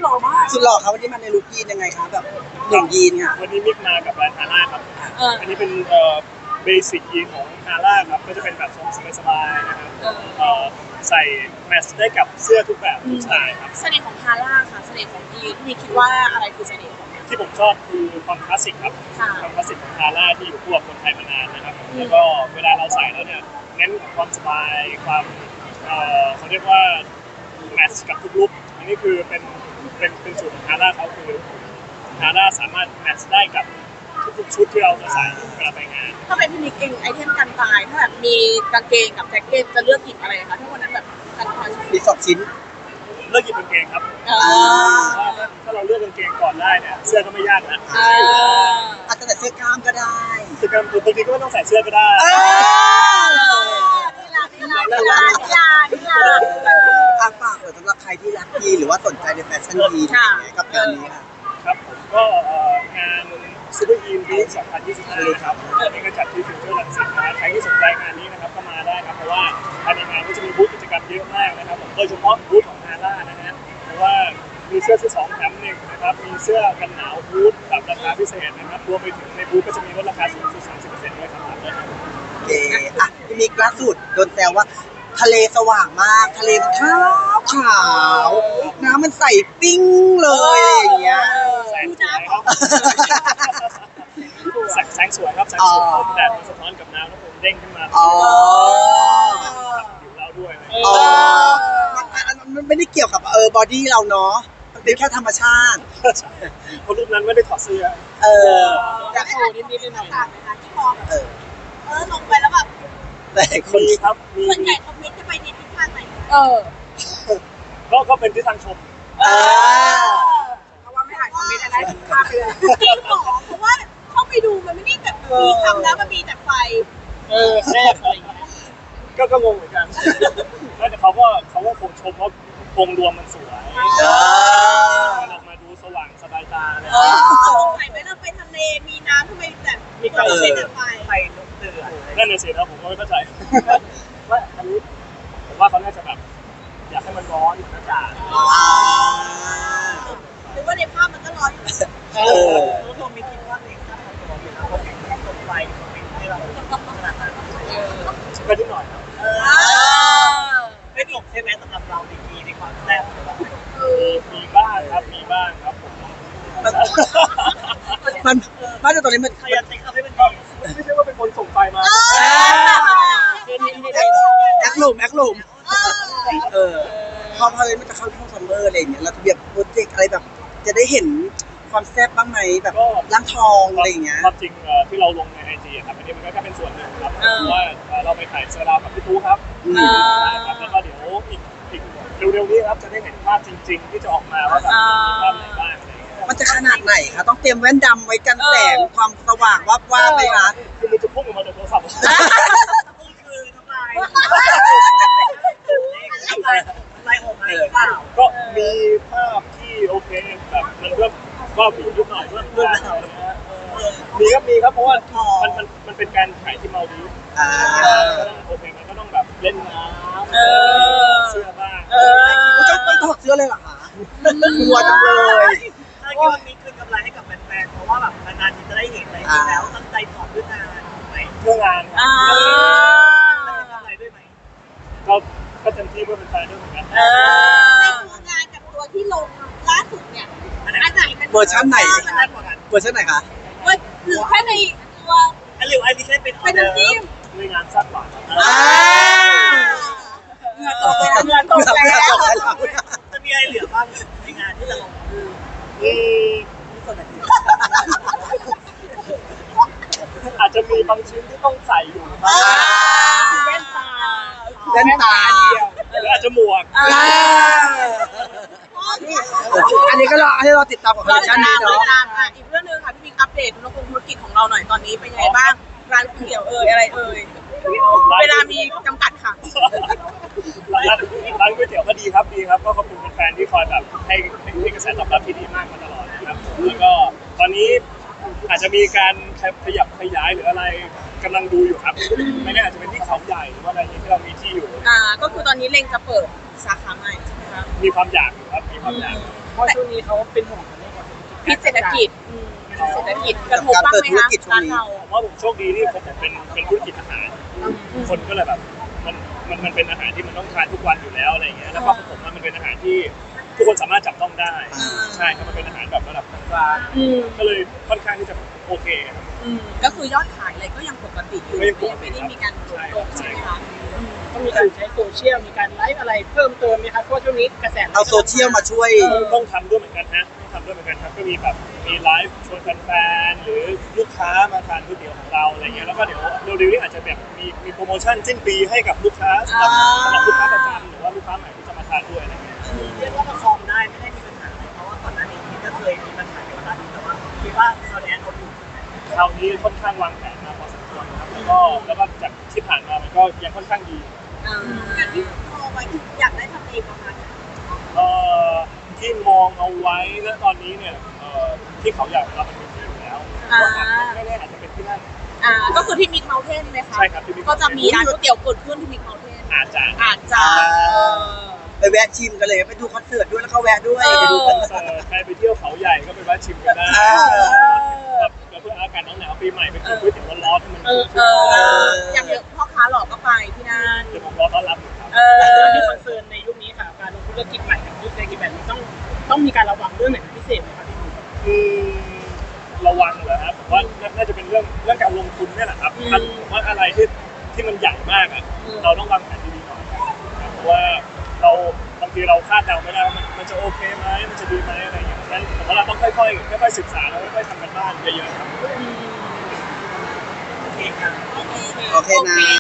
ล่อมากสุดหล่อครับวันนี้มาในลุคยีนยังไงครับแบบหนึ่งยีนค่ะวันนี้มิกมากับแบรนด์ฮาร่าครับอันนี้เป็นเบสิกยีนของฮาร่าครับก็จะเป็นแบบทรงสบายๆนะครับใส่แมทช์ได้กับเสื้อทุกแบบทุกสไตล์ครับเสน่ห์ของฮาร่าค่ะเสน่ห์ของยีนมีคิดว่าอะไรคือเสน่ห์ของมันที่ผมชอบคือความคลาสสิกครับความคลาสสิกของฮาร่าที่อยู่คู่กับคนไทยมานานนะครับแล้วก็เวลาเราใส่แล้วเนี่ยเน้นความสบายความเขาเรียกว่าแมทช์กับทุกลุคอันนี้คือเป็นสูตรของฮาร่าเขาคือฮาร่าสามารถแมทช์ได้กับทุกชุดที่เราจะใส่เวลาไปงานถ้าเป็นพี่นิกเองไอเทมกันตายถ้าแบบมีกางเกงกับแจ็คเก็ตจะเลือกหยิบอะไรคะถ้าวันนั้นแบบกันตายมี2 ชิ้นเลือกหยิบกางเกงครับถ้าเราเลือกกางเกงก่อนได้เนี่ยเสื้อก็ไม่ยากนะอาจจะใส่เสื้อกล้ามก็ได้คือบางทีก็ไม่ต้องใส่เสื้อก็ได้ฝากสำหรับใครที่รักยีนหรือว่าสนใจในแฟชั่นยีนกับงานนี้ค่ะครับผมก็งานซูเปอร์ยีนวีค2025ครับนี่ก็จัดที่ฟิวเจอร์รังสิตนะใครที่สนใจงานนี้นะครับก็มาได้ครับเพราะว่าภายในงานก็จะมีบูธกิจกรรมเยอะมากนะครับโดยเฉพาะบูธของฮาร่านะฮะเพราะว่ามีเสื้อซื้อ2 แถม 1นะครับมีเสื้อกันหนาวบูธแบบราคาพิเศษนะครับรวมไปถึงในบูธก็จะมีลดราคาสูงสุด 30% ด้วยครับโอเคพี่มิกล่าสุดโดนแซวว่าทะเลสว่างมากทะเลมันขาวน้ำมันใสปิ้งเลยอะไรอย่างเงี้ยแสงสวยครับแสงสวยครับแสงสวยแดดมันสะท้อนกับน้ำแล้วผมเด้งขึ้นมาอยู่เราด้วยมันไม่ได้เกี่ยวกับบอดี้เราเนาะมันเป็นแค่ธรรมชาติเพราะรูปนั้นไม่ได้ถอดเสื้ออยากโชว์นิดๆหน่อยๆนะคะที่มองลงไปแล้วแบบแต่คนครับส่วนใหญ่คอมเมนต์จะไปในทิศทางไหนก็เป็นที่ทางชมเพราะว่าไม่อ่านคอมเมนต์อะไรข้ามไปเลยจริงหรอเพราะว่าเข้าไปดูมันไม่ได้แบบมีคำแล้วมันมีแต่ไฟแรกอะไรอย่างเงี้ยก็งงเหมือนกันแต่เขาก็คงชมว่าวงรวมมันสวยมันออกมาดูสว่างสบายตาเลยสงสัยไหมเราไปทะเลมีน้ำทำไมแต่มีแต่ไฟลุกเดือดนั่นน่ะสินะผมก็ไม่เข้าใจว่าอันนี้ผมว่าเขาน่าจะแบบอยากให้มันร้อนเหมือนอากาศหรือว่าในภาพมันก็ร้อนอยู่รู้ตัวมีคิดว่าเองถ้าทำตัวเป็นเขาเห็นต้นไฟให้เราขนาดนั้นก็นิดหน่อยครับไม่ตกใช่ไหมสำหรับเราดีในความแซ่บมีบ้างครับผมมันบ้านตอนนี้มันพยายามจะทำให้มันดีไม่ใช่ว่าเป็นคนส่งไฟมาแอคหลุมพอเลยมันจะเข้าช่วงซัมเมอร์อะไรอย่างเงี้ยเราจะแบบโปรเจกต์อะไรแบบจะได้เห็นความแซ่บบ้างไหมแบบร่างทองอะไรอย่างเงี้ยความจริงที่เราลงใน IG ครับอันนี้มันก็แค่เป็นส่วนหนึ่งครับว่าเราไปถ่ายเซอร์ราวกับพี่ตู้ครับแล้วก็เดี๋ยวอีกเร็วๆนี้ครับจะได้เห็นภาพจริงๆที่จะออกมาว่าแบบภาพไหนบ้างมันจะขนาดไหนคะต้องเตรียมแว่นดำไว้กันแสงความสว่างว่าไหมคะคือมันจะพุ่งออกมาจากโทรศัพท์คือทำลายออกมาก็มีภาพที่โอเคแบบมันก็มีนิดหน่อยเพื่อนมีครับเพราะว่ามันเป็นการถ่ายที่มาดีฟโอเคมันก็ต้องแบบเล่นน้ำเสื้อบ้างต้องถอดเสื้อเลยเหรอคะกลัวจังเลยถ้าคิดว่ามีคืนกำไรให้กับแฟนๆเพราะว่าแบบนานๆทีจะได้เห็นอะไรที่แล้วตั้งใจถอดด้วยงานไหมเพื่องานกำไรด้วยไหมก็เต็มที่เพื่อเป็นแฟนด้วยเหมือนกันในตัวงานกับตัวที่ลงล่าสุดเนี่ยอันไหนมันเวอร์ชันไหนเวอร์ชันไหนคะหรือแค่ในตัวหรืออันนี้แค่เป็นน้ำจิ้มในงานสั้นกว่าเงินตกแล้วจะมีอะไรเหลือบ้างในงานที่จะลงอาจจะมีบางชิ้นที่ต้องใส่อยู่แว่นตาหรืออาจจะหมวกอันนี้ก็ให้เราติดตามของคอลเลคชันนี้เนาะอีกเรื่องนึงค่ะพี่มิกอัปเดตธุรกิจของเราหน่อยตอนนี้เป็นยังไงบ้างร้านก๋วยเตี๋ยวอะไรเวลามีจำกัดค่ะร้านก๋วยเตี๋ยวก็ดีครับก็ขอบคุณแฟนๆที่คอยแบบให้กระแสตอบรับที่ดีมากมาตลอดนะครับแล้วก็ตอนนี้อาจจะมีการขยับขยายหรืออะไรกำลังดูอยู่ครับไม่แน่อาจจะเป็นที่เขาใหญ่หรือว่าอะไรที่เรามีที่อยู่ก็คือตอนนี้เล็งจะเปิดสาขาใหม่ใช่ไหมคะมีความอยากครับมีความอยากเพราะช่วงนี้เขาเป็นห่วงเรื่องของพิษเศรษฐกิจเศรษฐกิจกระทบบ้างไหมคะร้านเราผมว่าผมโชคดีที่ผมเป็นธุรกิจอาหาร คนก็เลยแบบมันเป็นอาหารที่มันต้องทานทุกวันอยู่แล้วอะไรอย่างเงี้ยแล้วก็ของผมมันเป็นอาหารที่ทุกคนสามารถจับต้องได้ใช่ครับมันเป็นอาหารแบบระดับกลางก็เลยค่อนข้างที่จะโอเคครับก็คือยอดขายอะไรก็ยังปกติอยู่ไม่ได้มีการลดลงใช่ไหมคะต้องมีการใช้โซเชียลมีการไลฟ์อะไรเพิ่มเติมไหมครับเพราะช่วงนี้กระแสเอาโซเชียลมาช่วยต้องทำด้วยเหมือนกันฮะต้องทำด้วยเหมือนกันครับก็มีแบบมีไลฟ์ชวนแฟนๆหรือลูกค้ามาทานก๋วยเตี๋ยวของเราอะไรเงี้ยแล้วก็เดี๋ยวเร็วๆนี้อาจจะแบบมีโปรโมชั่นสิ้นปีให้กับลูกค้าสำหรับลูกค้าประจำหรือว่าลูกค้าใหม่ที่จะมาทานด้วยอะไรเงี้ยเรียกว่าประคองได้ไม่ได้มีปัญหาเพราะว่าก่อนหน้านี้ก็เคยมีปัญหากับร้านนี้แต่ว่าคิดว่าเราแอนเอาอยู่คราวนี้ค่อนข้างวางแผนมาพอสมควรครับแล้วก็จากที่ผ่านมามันก็ยังค่อนข้างดีอย่างที่มองไว้คืออยากได้ทำเองประมาณที่มองเอาไว้ณตอนนี้เนี่ยที่เขาอยากเรามันมีที่อยู่แล้วไม่แน่อาจจะเป็นที่นั่นก็คือที่มิกเมลเทนไหมคะใช่ครับที่ Big ก็จะมีร้านก๋วยเตี๋ยวเกิดขึ้นที่มิกเมลเทนอาจจะไปแวะชิมกันเลยไปดูคอนเสิร์ตด้วยแล้วเขาแวะด้วยเออไปดูคอนเสิร์ตใครไปเที่ยวเขาใหญ่ก็ไปแวะชิมกันได้ แบบเพื่ออากาศหนาวๆปีใหม่ไปกินก๋วยเตี๋ยวร้อนๆให้มันชุ่มชื่นอย่างเยอะพ่อค้าหลอกก็ไปที่นั่นเดี๋ยวผมรอต้อนรับอยู่ครับแล้วที่คอนเซิร์นในยุคนี้ค่ะการลงธุรกิจใหม่กับยุคเศรษฐกิจแบบนี้ต้องมีการระวังเรื่องไหนเป็นพิเศษไหมครับพี่หนุ่มระวังเหรอครับผมว่าน่าจะเป็นเรื่องการลงทุนนี่แหละครับผมว่าอะไรที่มันใหญ่มากอ่ะเราต้องวางแผนดีๆหน่อยครับเพราะว่าบางทีเราคาดเดาไม่ได้ว่ามันจะโอเคไหมมันจะดีไหมอะไรอย่างเงี้ยฉะนั้นผมว่าเราต้องค่อยๆศึกษาแล้วค่อยๆทำกันบ้านเยอะๆครับโอเคครับโอเคนะ